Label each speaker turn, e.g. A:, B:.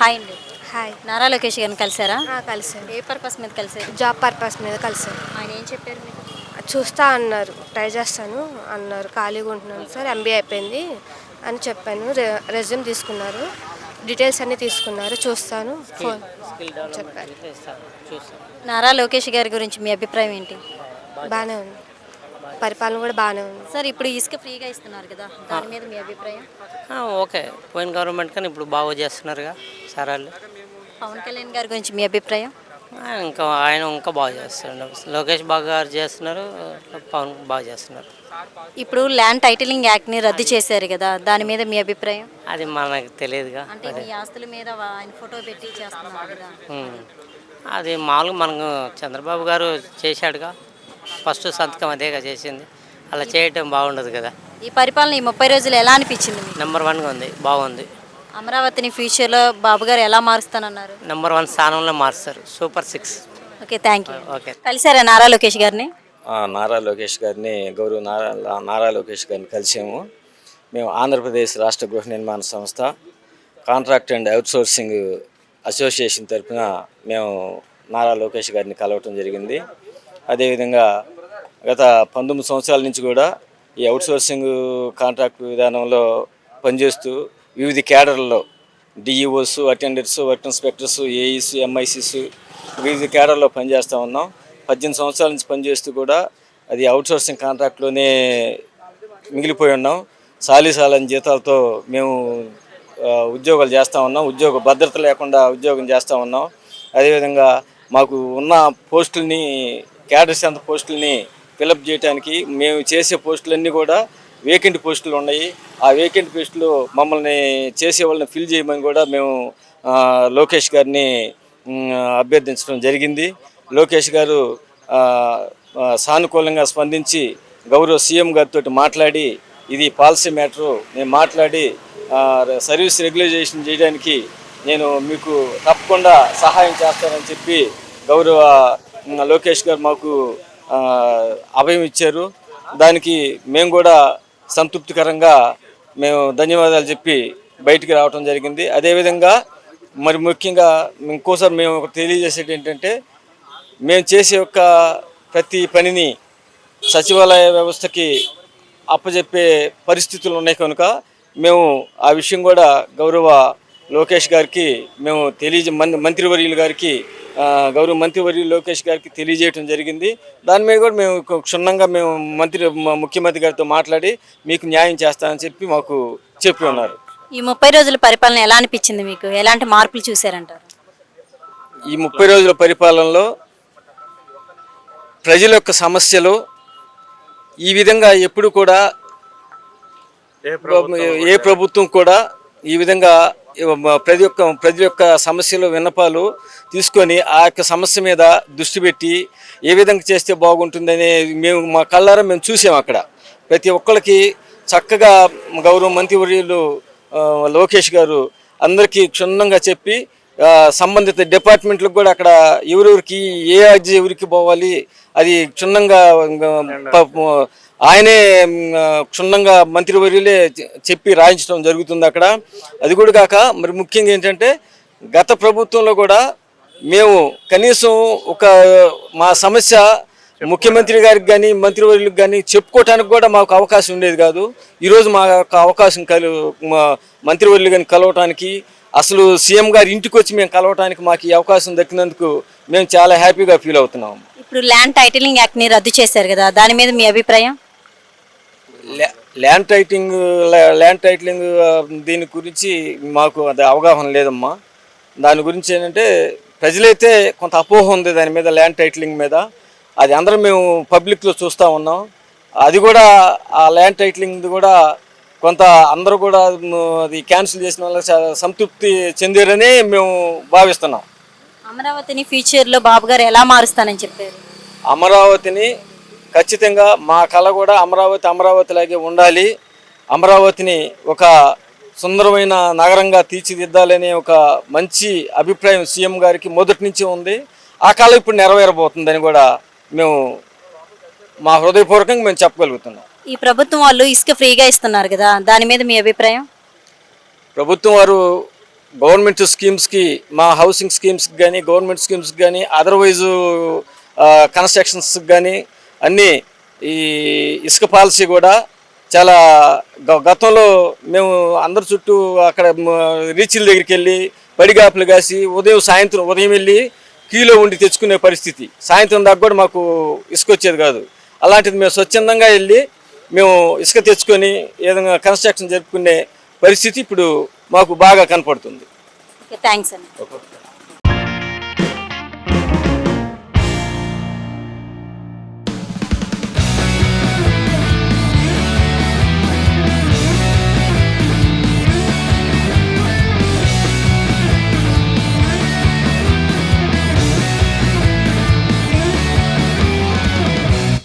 A: Hi అండి.
B: Hi.
A: Nara Lokesh గారిని కలిసారా?
B: కలిసాను.
A: ఏ purpose మీద కలిసారు?
B: జాబ్ పర్పస్ మీద కలిసాను.
A: ఆయన ఏం చెప్పారు మీకు?
B: చూస్తా అన్నారు, ట్రై చేస్తాను అన్నారు. ఖాళీగా ఉంటున్నాను సార్, ఎంబీఏ అయిపోయింది అని చెప్పాను. రెజ్యూమ్ తీసుకున్నారు, డీటెయిల్స్ అన్నీ తీసుకున్నారు. చూస్తాను ఫోన్ చెప్పారు.
A: నారా లోకేష్ గారి గురించి మీ అభిప్రాయం ఏంటి?
B: బాగానే ఉంది, పరిపాలన కూడా బాగానే ఉంది.
A: సార్ ఇప్పుడు ఇసుక ఫ్రీగా ఇస్తున్నారు కదా, దాని మీద మీ అభిప్రాయం?
C: ఓకే, పోయిన గవర్నమెంట్ కానీ ఇప్పుడు బాగా చేస్తున్నారుగా సార్ వాళ్ళు.
A: పవన్ కళ్యాణ్ గారి గురించి మీ అభిప్రాయం?
C: ఆయన ఇంకా బాగా చేస్తున్నారు. లోకేష్ బాగా చేస్తున్నారు, పవన్ బాగా చేస్తున్నారు.
A: ఇప్పుడు ల్యాండ్ టైటిలింగ్ యాక్ట్ని రద్దు చేశారు కదా, దాని మీద మీ అభిప్రాయం?
C: అది మనకు తెలియదుగా.
A: అంటే మీ ఆస్తుల మీద ఆయన ఫోటో పెట్టి చేస్తున్నారు కదా.
C: అది మామూలుగా మనకు చంద్రబాబు గారు చేశాడుగా, ఫస్ట్ సంతకం అదేగా చేసింది. అలా చేయటం బాగుండదు కదా.
A: ఈ పరిపాలన ఈ 30 రోజులు ఎలా అనిపించింది మీకు?
C: నెంబర్ 1గా ఉంది, బాగుంది.
A: అమరావతిని ఫ్యూచర్లో బాబు గారు ఎలా మారుస్తానన్నారు?
C: నెంబర్ 1 స్థానంలో మారుస్తారు. Super 6.
A: Okay, thank you.
C: Okay.
A: కలిసారా నారా లోకేష్ గారిని?
D: నారా లోకేష్ గారిని, గౌరవ నారా లోకేష్ గారిని కలిసాము. మేము ఆంధ్రప్రదేశ్ రాష్ట్ర గృహ నిర్మాణ సంస్థ కాంట్రాక్ట్ అండ్ అవుట్సోర్సింగ్ అసోసియేషన్ తరఫున మేము నారా లోకేష్ గారిని కలవటం జరిగింది. అదేవిధంగా గత 19 సంవత్సరాల నుంచి కూడా ఈ అవుట్సోర్సింగ్ కాంట్రాక్ట్ విధానంలో పనిచేస్తూ వివిధ క్యాడర్లలో DEOs, attenders, work inspectors, AEs, MICs వివిధ క్యాడర్లో పనిచేస్తూ ఉన్నాం. 18 సంవత్సరాల నుంచి పనిచేస్తూ కూడా అది అవుట్సోర్సింగ్ కాంట్రాక్ట్లోనే మిగిలిపోయి ఉన్నాం. సాలీసాలని జీతాలతో మేము ఉద్యోగాలు చేస్తూ ఉన్నాం. ఉద్యోగ భద్రత లేకుండా ఉద్యోగం చేస్తూ ఉన్నాం. అదేవిధంగా మాకు ఉన్న పోస్టుల్ని, క్యాడర్ సెంటర్ పోస్టుల్ని ఫిలప్ చేయడానికి మేము చేసే పోస్టులన్నీ కూడా వేకెంట్ పోస్టులు ఉన్నాయి. ఆ వేకెంట్ పోస్టులు మమ్మల్ని చేసే వాళ్ళని ఫిల్ చేయమని కూడా మేము లోకేష్ గారిని అభ్యర్థించడం జరిగింది. లోకేష్ గారు సానుకూలంగా స్పందించి గౌరవ సీఎం గారితో మాట్లాడి ఇది పాలసీ మ్యాటరు, నేను మాట్లాడి సర్వీస్ రెగ్యులైజేషన్ చేయడానికి నేను మీకు తప్పకుండా సహాయం చేస్తానని చెప్పి గౌరవ లోకేష్ గారు మాకు అభయం ఇచ్చారు. దానికి మేము కూడా సంతృప్తికరంగా మేము ధన్యవాదాలు చెప్పి బయటికి రావడం జరిగింది. అదేవిధంగా మరి ముఖ్యంగా ఇంకోసారి మేము తెలియజేసేది ఏంటంటే, మేము చేసే యొక్క ప్రతి పనిని సచివాలయ వ్యవస్థకి అప్పచెప్పే పరిస్థితులు ఉన్నాయి కనుక మేము ఆ విషయం కూడా గౌరవ లోకేష్ గారికి మేము మంత్రివర్యులు గారికి, గౌరవ మంత్రివర్యులు లోకేష్ గారికి తెలియజేయడం జరిగింది. దాని మీద కూడా మేము క్షుణ్ణంగా మేము ముఖ్యమంత్రి గారితో మాట్లాడి మీకు న్యాయం చేస్తామని చెప్పి మాకు చెప్పి ఉన్నారు.
A: ఈ 30 రోజుల పరిపాలన ఎలా అనిపించింది మీకు? ఎలాంటి మార్పులు చూశారంటారు?
D: ఈ 30 రోజుల పరిపాలనలో ప్రజల యొక్క సమస్యలు ఈ విధంగా ఎప్పుడు కూడా ఏ ప్రభుత్వం కూడా ఈ విధంగా ప్రతి ఒక్క సమస్యలు, విన్నపాలు తీసుకొని ఆ యొక్క సమస్య మీద దృష్టి పెట్టి ఏ విధంగా చేస్తే బాగుంటుందని మేము మా కళ్ళారా మేము చూసాము. అక్కడ ప్రతి ఒక్కరికి చక్కగా గౌరవ మంత్రివర్యులు లోకేష్ గారు అందరికీ క్షుణ్ణంగా చెప్పి సంబంధిత డిపార్ట్మెంట్లకు కూడా అక్కడ ఎవరెవరికి ఏ అర్జీ ఎవరికి పోవాలి అది క్షుణ్ణంగా ఆయనే క్షుణ్ణంగా మంత్రివర్యులే చెప్పి రాయించడం జరుగుతుంది అక్కడ. అది కూడా కాక మరి ముఖ్యంగా ఏంటంటే, గత ప్రభుత్వంలో కూడా మేము కనీసం మా సమస్య ముఖ్యమంత్రి గారికి కానీ మంత్రివర్యులకు కానీ చెప్పుకోవటానికి కూడా మాకు అవకాశం ఉండేది కాదు. ఈరోజు మా యొక్క అవకాశం మంత్రివర్యులు కానీ కలవటానికి, అసలు సీఎం గారి ఇంటికి వచ్చి మేము కలవటానికి మాకు ఈ అవకాశం దక్కినందుకు మేము చాలా హ్యాపీగా ఫీల్ అవుతున్నాం.
A: ఇప్పుడు ల్యాండ్ టైటిలింగ్ యాక్ట్ని రద్దు చేశారు కదా, దాని మీద మీ అభిప్రాయం?
D: ల్యాండ్ టైటిలింగ్ దీని గురించి మాకు అది అవగాహన లేదమ్మా. దాని గురించి ఏంటంటే, ప్రజలైతే కొంత అపోహ ఉంది దాని మీద, ల్యాండ్ టైటిలింగ్ మీద. అది అందరం మేము పబ్లిక్లో చూస్తూ ఉన్నాం. అది కూడా ఆ ల్యాండ్ టైటిలింగ్ కూడా కొంత అందరూ కూడా అది క్యాన్సిల్ చేసిన వాళ్ళకి సంతృప్తి చెందారని మేము భావిస్తున్నాం.
A: అమరావతిని ఫ్యూచర్లో బాబు గారు ఎలా మారుస్తానని చెప్పారు?
D: అమరావతిని ఖచ్చితంగా మా కళ కూడా అమరావతిలాగే ఉండాలి. అమరావతిని ఒక సుందరమైన నగరంగా తీర్చిదిద్దాలనే ఒక మంచి అభిప్రాయం సీఎం గారికి మొదటి నుంచి ఉంది. ఆ కళ ఇప్పుడు నెరవేరబోతుందని కూడా మేము మా హృదయపూర్వకంగా మేము చెప్పగలుగుతున్నాం.
A: ఈ ప్రభుత్వం వాళ్ళు ఇసుక ఫ్రీగా ఇస్తున్నారు కదా, దాని మీద మీ అభిప్రాయం?
D: ప్రభుత్వం వారు గవర్నమెంట్ స్కీమ్స్కి, మా హౌసింగ్ స్కీమ్స్కి కానీ, గవర్నమెంట్ స్కీమ్స్కి కానీ, అదర్వైజు కన్స్ట్రక్షన్స్కి కానీ అన్నీ ఈ ఇసుక పాలసీ కూడా చాలా గతంలో మేము అందరి చుట్టూ అక్కడ రీచ్ల దగ్గరికి వెళ్ళి పడిగాపులు కాసి ఉదయం వెళ్ళి క్యూలో ఉండి తెచ్చుకునే పరిస్థితి. సాయంత్రం దాకా కూడా మాకు ఇసుక వచ్చేది కాదు. అలాంటిది మేము స్వచ్ఛందంగా వెళ్ళి మేము ఇసుక తెచ్చుకొని ఏదైనా కన్స్ట్రక్షన్ జరుపుకునే పరిస్థితి ఇప్పుడు మాకు బాగా కనపడుతుంది.
A: ఓకే, థ్యాంక్స్ అండి.
D: ఓకే.